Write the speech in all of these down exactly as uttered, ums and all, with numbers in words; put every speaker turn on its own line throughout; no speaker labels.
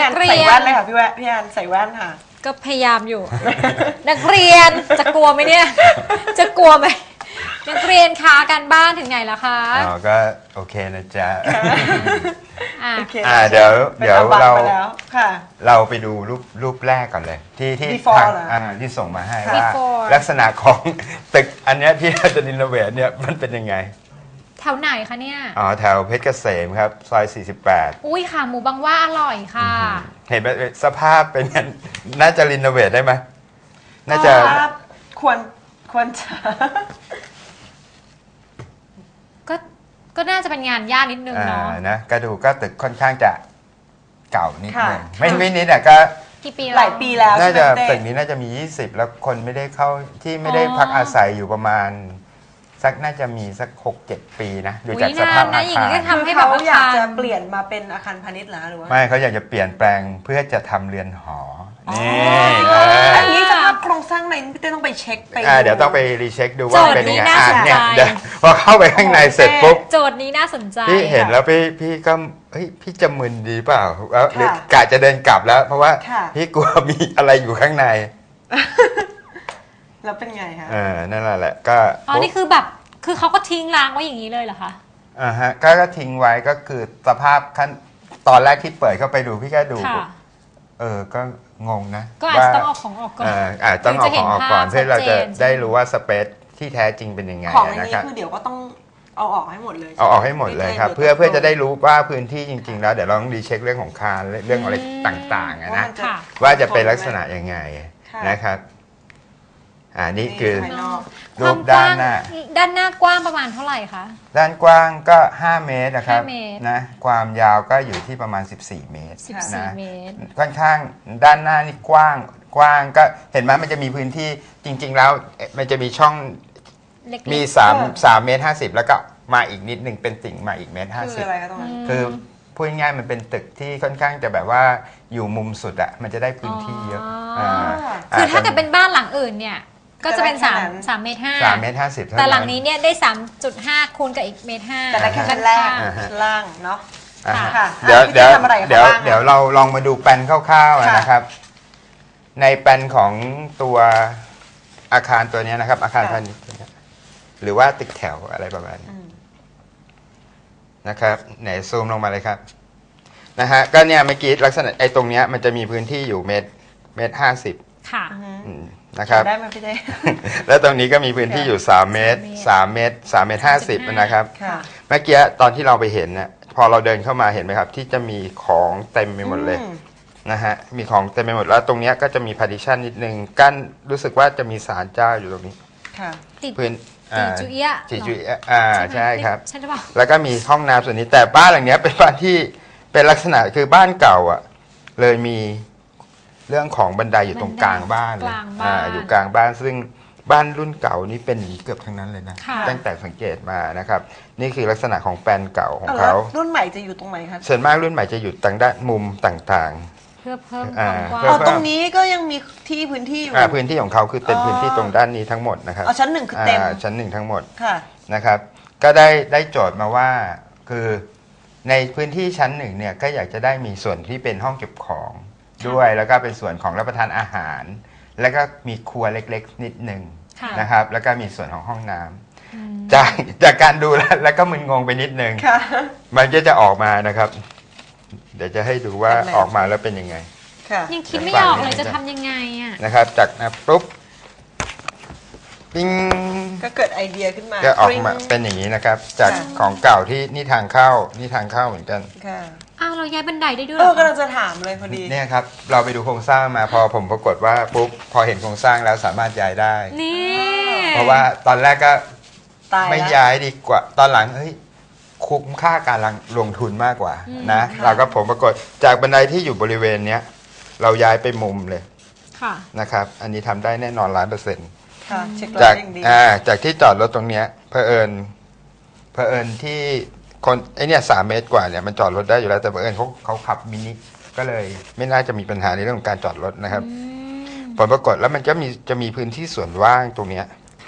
นใส่แว่นเลยค่ะพี่แว่นพี่แอนใส่แว่นค่ะ
ก็พยายามอยู่ นักเรียนจะกลัวไหมเนี่ยจะกลัวไหมนักเรียนคะการบ้านถึงไหนแล้วคะ
อ๋อก็โอเคนะจ๊ะ
อ่า
เดี๋ยวเดี๋ยวเรา
ค่ะ
เราไปดูรูปรูปแรกก่อนเลยที่ที่ทางที่ส่งมาให้ว่าลักษณะของตึกอันนี้ที่เราจะรีโนเวทเนี่ยมันเป็นยังไง
แถวไหนคะเนี่ย
อ๋อแถวเพชรเกษมครับซอยสี่สิบแปด
อุ้ยค่ะหมูบางว่าอร่อยค่ะ
เห็นสภาพเป็นน่าจะรีโนเวทได้ไหมน่าจะ
ควรควรจะ
ก็ก็น่าจะเป็นงานยากนิดนึงเนาะ
นะก็ดูก็ตึกค่อนข้างจะเก่านิดนึงไม่ไม่นิดอ่ะก็
กี่ปี
หลายปีแล้ว
น่าจะตึกนี้น่าจะมียี่สิบแล้วคนไม่ได้เข้าที่ไม่ได้พักอาศัยอยู่ประมาณสักน่าจะมีสัก หกเจ็ด ปีนะดูจากสภาพอาคาร
คือเขาอยากจะเปลี่ยนมาเป็นอาคารพาณิชย์หรือว่า
ไม่เขาอยากจะเปลี่ยนแปลงเพื่อจะทำเรือนหอนี่
อันนี้สภาพโครงสร้างในพี่เต้ต้องไปเช็คไป
เดี๋ยวต้องไปรีเช็คดูว่าเป็นยังไงอ่ะเนี่ยเดี๋ยวพอเข้าไปข้างในเสร็จปุ๊บ
โจทย์นี้น่าสนใจ
พี่เห็นแล้วพี่พี่ก็เฮ้ยพี่จะมึนดีเปล่าแล้วหรือกะจะเดินกลับแล้วเพราะว่าพี่กลัวมีอะไรอยู่ข้างใน
แล้วเป็นไงคะ
เออนั่นแหละก็
อ๋อนี่คือแบบคือเขาก็ทิ้งร้างไว้อย่างนี้เลยเหรอคะ
อ่าฮะก็ทิ้งไว้ก็คือสภาพขั้นตอนแรกที่เปิดเข้าไปดูพี่ก็ดูเออก็งงนะ
ก็อาจจะต้องเอาของออกก่อน
อาจต้องเอาของออกก่อนเพื่อเราจะได้รู้ว่าสเปซที่แท้จริงเป็นยังไง
ของอันนี้คือเดี๋ยวก็ต้องเอาออกให้หมดเลย
เอาออกให้หมดเลยครับเพื่อเพื่อจะได้รู้ว่าพื้นที่จริงๆแล้วเดี๋ยวเราต้องรีเช็คเรื่องของคานเรื่องอะไรต่างๆนะว่าจะเป็นลักษณะยังไงนะครับอ่านี่คือรูปด้านหน้า
ด้านหน้ากว้างประมาณเท่าไหร่คะ
ด้านกว้างก็ห้าเมตรนะครับนะความยาวก็อยู่ที่ประมาณสิบสี่เมตรนะค่อนข้างด้านหน้านี่กว้างกว้างก็เห็นไหมมันจะมีพื้นที่จริงๆแล้วมันจะมีช่องมีสามสามเมตรห้าสิบแล้วก็มาอีกนิดหนึ่งเป็นติ่งมาอีกเมตรห้าสิบคือพูดง่ายๆมันเป็นตึกที่ค่อนข้างจะแบบว่าอยู่มุมสุดอะมันจะได้พื้นที่เยอะ
คือถ้าเกิดเป็นบ้านหลังอื่นเนี่ยก็จะเป็นสามสามเมตรห้า
สามเมตรห้าสิบ
แต่หลังนี้เนี่ยได้สามจุดห้าคูณกับอีกเมตรห้า
แต่แค่ชั้นแรกชั้นล่างเนาะ
เดี๋ยวเดี๋ยวเดี๋ยวเดี๋ยวเราลองมาดูแปลนคร่าวๆนะครับในแปลนของตัวอาคารตัวนี้นะครับอาคารพาณิชย์หรือว่าตึกแถวอะไรประมาณนี้นะครับไหนซูมลงมาเลยครับนะฮะก็เนี่ยเมื่อกี้ลักษณะไอ้ตรงเนี้ยมันจะมีพื้นที่อยู่เมตรเมตรห้าสิบ
ค่ะ
นะครับ
ได้ไหมพี่เต้
แล้วตรงนี้ก็มีพื้นที่อยู่สามเมตรสามเมตรสามเมตรห้าสิบนะครับเมื่อกี้ตอนที่เราไปเห็นเนี่ยพอเราเดินเข้ามาเห็นไหมครับที่จะมีของเต็มไปหมดเลยนะฮะมีของเต็มไปหมดแล้วตรงนี้ก็จะมีพาร์ติชันนิดนึงกั้นรู้สึกว่าจะมีศาลเจ้าอยู่ตรงนี้พื้น
จีจุเอะ
จีจุเอะอ่าใช่ครับ
ใช่หรือเปล่า
แล้วก็มีห้องน้ำส่วนนี้แต่บ้านหลังนี้เป็นบ้านที่เป็นลักษณะคือบ้านเก่าอ่ะเลยมีเรื่องของบันไดอยู่ตรงกลางบ้านอ่าอยู่กลางบ้านซึ่งบ้านรุ่นเก่านี้เป็นเกือบทั้งนั้นเลยนะตั้งแต่สังเกตมานะครับนี่คือลักษณะของแปลนเก่าของเขา
รุ่นใหม่จะอยู่ตรงไหนครับ
ส่วนมากรุ่นใหม่จะอยู่ทางด้านมุมต่าง
ๆเพื่อเพิ่มความกว้าง
ตรงนี้ก็ยังมีที่พื้นที่อยู่
พื้นที่ของเขาคือเต็มพื้นที่ตรงด้านนี้ทั้งหมดนะครับ
ชั้นหนึ่งคือเต็ม
ชั้นหนึ่งทั้งหมดนะครับก็ได้ได้โจทย์มาว่าคือในพื้นที่ชั้นหนึ่งเนี่ยก็อยากจะได้มีส่วนที่เป็นห้องเก็บของด้วยแล้วก็เป็นส่วนของรับประทานอาหารแล้วก็มีครัวเล็กๆนิดหนึ่งนะครับแล้วก็มีส่วนของห้องน้ำจากจากการดูแล้วแล้วก็มึนงงไปนิดนึงมันก็จะออกมานะครับเดี๋ยวจะให้ดูว่าออกมาแล้วเป็นยังไง
ยังคิดไม่ออกเลยจะทำยังไงอ่ะ
นะครับจากนะปุ๊บปิ้ง
ก็เกิดไอเดียขึ้นมา
ก็ออกมาเป็นอย่างนี้นะครับจากของเก่าที่นี่ทางเข้านี่ทางเข้าเหมือนกัน
อ้าวเราย้ายบันไดได้ด้วย
เออก็เราจะถามเลยพอดี
เนี่ยครับเราไปดูโครงสร้างมาพอผมปรากฏว่าปุ๊บพอเห็นโครงสร้างแล้วสามารถย้ายได้
นี่
เพราะว่าตอนแรกก็ไม่ย้ายดีกว่าตอนหลังเฮ้ยคุ้มค่าการลงทุนมากกว่านะเราก็ผมปรากฏจากบันไดที่อยู่บริเวณเนี้ยเราย้ายไปมุมเลยนะครับอันนี้ทำได้แน่นอนล้านเปอร์เซ็นต์จากอ่าจากที่จอดรถตรงเนี้ยเผอิญเผอิญที่คนไอเนี่ยสามเมตรกว่าเนี่ยมันจอดรถได้อยู่แล้วแต่เผอิญเขาเขาขับมินิก็เลยไม่น่าจะมีปัญหาในเรื่องของการจอดรถนะครับผลปรากฏแล้วมันก็มีจะมีพื้นที่ส่วนว่างตรงเนี้ย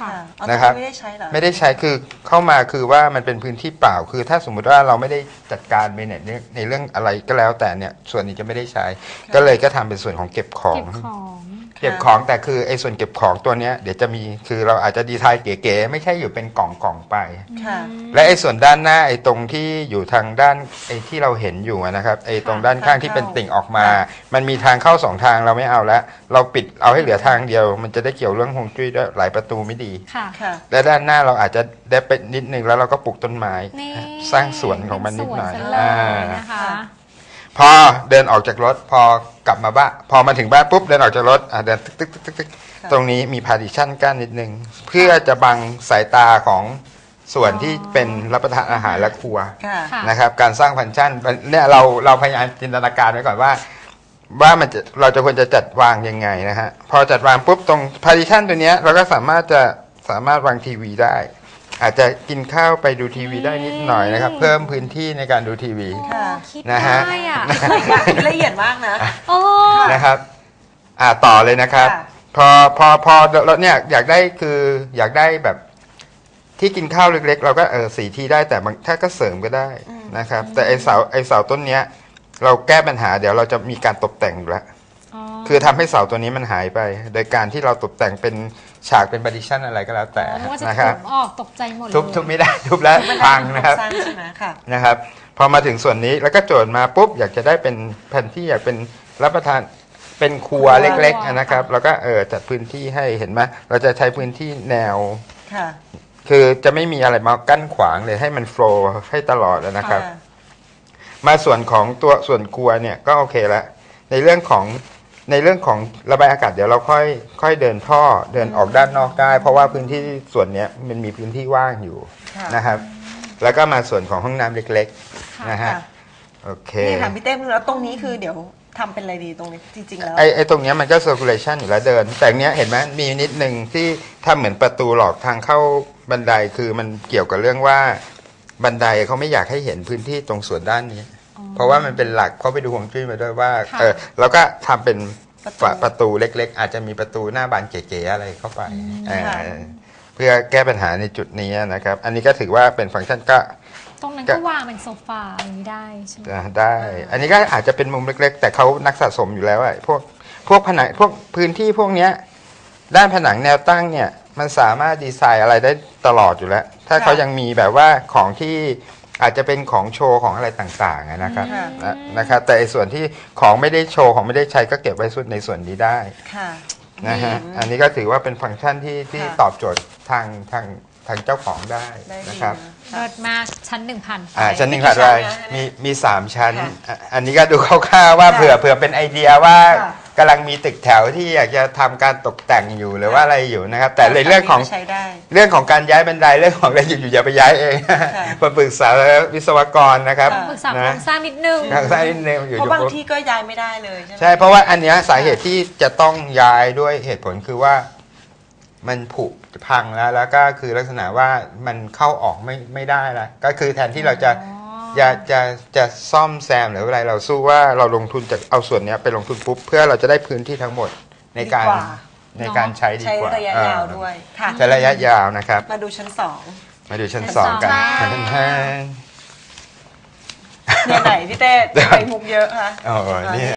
ค่ะเอา
นะครับ
ไม่ได้ใช้เหรอ
ไม่ได้ใช้คือเข้ามาคือว่ามันเป็นพื้นที่เปล่าคือถ้าสมมุติว่าเราไม่ได้จัดการในในในเรื่องอะไรก็แล้วแต่เนี่ยส่วนนี้จะไม่ได้ใช้ ก็เลยก็ทำเป็นส่วนของเก็บของ
เก็บของ
เก็บของแต่คือไอ้ส่วนเก็บของตัวเนี้ยเดี๋ยวจะมีคือเราอาจจะดีไซน์เก๋ๆไม่ใช่อยู่เป็นกล่องๆไป
ค่ะ
และไอ้ส่วนด้านหน้าไอ้ตรงที่อยู่ทางด้านไอ้ที่เราเห็นอยู่อะนะครับไอ้ตรงด้านข้างที่เป็นติ่งออกมา มันมีทางเข้าสองทางเราไม่เอาแล้วเราปิดเอาให้เหลือทางเดียว มันจะได้เกี่ยวเรื่องฮวงจุ้ยด้วยหลายประตูไม่ดี
ค่ะ
ค่ะ
และด้านหน้าเราอาจจะได้ไปนิดนึงแล้วเราก็ปลูกต้นไม้
นี่
สร้างสวนของมันนิดหน่อย
เป็สวนซะเลย
อ่า
นะคะ
พอเดินออกจากรถพอกลับมาบ้านพอมาถึงบ้านปุ๊บเดินออกจากรถอ่ะเดินตึกตึกตึกตึกตึก
ค่ะ
ตรงนี้มีพาร์ติชันกั้นนิดนึงเพื่อจะบังสายตาของส่วนที่เป็นรับประทานอาหารและครัว
ค่ะ
ค่ะ
นะครับการสร้างฟังก์ชันเนี่ยเราเราพยายามจินตนาการไว้ก่อนว่า ว่ามันจะเราจะควรจะจัดวางยังไงนะฮะพอจัดวางปุ๊บตรงพาร์ติชันตัวเนี้ยเราก็สามารถจะสามารถวางทีวีได้ อาจจะกินข้าวไปดูทีวีได้นิดหน่อยนะครับเพิ่มพื้นที่ในการดูทีวี
ค่ะ
คิด
นะฮะ
ได้อ่ะ
ละเอียดมากนะ
โอ้
นะครับอ่าต่อเลยนะครับ
ค่ะ
พอพอพอเราเนี่ยอยากได้คืออยากได้แบบที่กินข้าวเล็กๆ เราก็เออสีที่ได้แต่บางถ้าก็เสริมก็ได้นะครับ แต่ไอเสาไอเสาต้นเนี้ย เราแก้ปัญหาเดี๋ยวเราจะมีการตกแต่งอยู่แล้ว
อ๋อ
คือทำให้เสาตัวนี้มันหายไป โดยการที่เราตกแต่งเป็นฉากเป็นบาร์ติชันอะไรก็แล้วแต่
ไม่ว่าจะ
นะค
ถู
รับ
กออกตกใจหมดเลย
ทุบทุบไม่ได้ ทุบแล้ว
มัน
พัง
ได้
นะครับ
โครงสร้างใช่ไหมค่ะ
นะครับ พอมาถึงส่วนนี้แล้วก็โจทย์มาปุ๊บอยากจะได้เป็นแผ่นที่อยากเป็นรับประทานเป็นครัว
ครัว
เล็กๆนะครับ แล้วก็เออจัดพื้นที่ให้เห็นไหมเราจะใช้พื้นที่แนว
ค่ะ
คือจะไม่มีอะไรมากั้นขวางเลยให้มันโฟล์ให้ตลอดนะครับ
ค่ะ
มาส่วนของตัวส่วนครัวเนี่ยก็โอเคแล้วในเรื่องของในเรื่องของระบายอากาศเดี๋ยวเราค่อยค่อยเดินท่อเดินออกด้านนอกได้ เพราะว่าพื้นที่ส่วนเนี้ยมันมีพื้นที่ว่างอยู่
ค่ะ
นะครับ แล้วก็มาส่วนของห้องน้ำเล็ก
ค่ะ
ๆนะฮะ
ค่ะ
โอเค
นี่ค่ะพี่เต้แล้วตรงนี้คือเดี๋ยวทำเป็นอะไรดีตรงนี้จริงๆแล้ว
ไอไอตรงเนี้ยมันก็ circulation อยู่แล้วเดิน แต่เนี้ยเห็นไหมมีนิดนึงที่ทำเหมือนประตูหลอกทางเข้าบันไดคือมันเกี่ยวกับเรื่องว่าบันไดเขาไม่อยากให้เห็นพื้นที่ตรงส่วนด้านนี้ เพราะว่ามันเป็นหลักเขาไปดูฮวงจุ้ยมาด้วยว่า
ค่ะ
เออแล้วก็ทำเป็น
ประตู
ฝาประตูเล็ก ๆ อาจจะมีประตูหน้าบานเก๋ๆอะไรเข้าไปเออ
ค่ะ
เพื่อแก้ปัญหาในจุดนี้นะครับ อันนี้ก็ถือว่าเป็นฟังก์ชันก็
ตรงนั้น
ก็
ก็วางเป็นโซฟาอย่างนี้ได้ใช่ไหม
อ่าได้ อันนี้ก็อาจจะเป็นมุมเล็ก ๆ แต่เขานักสะสมอยู่แล้วอะพวกพวกผนังพวกพื้นที่พวกเนี้ยด้านผนังแนวตั้งเนี่ยมันสามารถดีไซน์อะไรได้ตลอดอยู่แล้ว ถ้า
ค่ะ
เขายังมีแบบว่าของที่อาจจะเป็นของโชว์ของอะไรต่างๆอะนะครับ
ค่ะ
นะนะครับ แต่ไอ้ส่วนที่ของไม่ได้โชว์ของไม่ได้ใช้ก็เก็บไว้ส่วนในส่วนนี้ได้
ค่ะ
นะฮะอันนี้ก็ถือว่าเป็นฟังก์ชันที่ที่
ค่ะ
ตอบโจทย์ทางทางทางเจ้าของได้
ได้ดี
นะครับ
นะ
เลิศมากชั้นหนึ่งพัน
อ่าชั้นหนึ่ง
มีกี่
ถัดไป
ชั้นนะ
มีมีสามชั้น
ค่ะ
อ่ะอันนี้ก็ดูคร่าวๆว่า
ค่ะ
เผื่อเผื่อเป็นไอเดียว่า
ค่ะ
กำลังมีตึกแถวที่อยากจะทำการตกแต่งอยู่หรือว่าอะไรอยู่นะครับ แต่ในเรื่องของ
ใช้ได้
เรื่องของการย้ายบันไดเรื่องของอะไรอยู่ๆอย่าไปย้ายเองมาปรึกษาวิศวกรนะครับ
ค่ะ
ปรึกษาโคร
นะ
งสร้างนิดนึง
ทางซ้ายนิดนึงอยู่
เพราะบาง
ๆปุ๊บ
ที่ก็ย้ายไม่ได้เลยใช่ไหม
ใช่เพราะว่าอันเนี้ยสาเหตุที่จะต้องย้ายด้วยเหตุผลคือว่ามันผุพังแล้วแล้วก็คือลักษณะว่ามันเข้าออกไม่ไม่ได้ละก็คือแทนที่เราจะ
อ๋อ
จะจะจะซ่อมแซมหรืออะไรเราสู้ว่าเราลงทุนจากเอาส่วนเนี้ยไปลงทุนปุ๊บเพื่อเราจะได้พื้นที่ทั้งหมดในการ
ดีกว่า
ในการใช้ดี
ใช้
กว่า
ระยะ
เออย
าวด้วยค่ะ
ใช้ระยะยาวนะครับ
มาดูชั้นสอง
มาดูชั้น
ชั้น
สองกัน
สองค่ะ
ชั้น
เนี่ยไหนพี่เต้ทำไมมุกเยอะคะ
โอ้โหนี่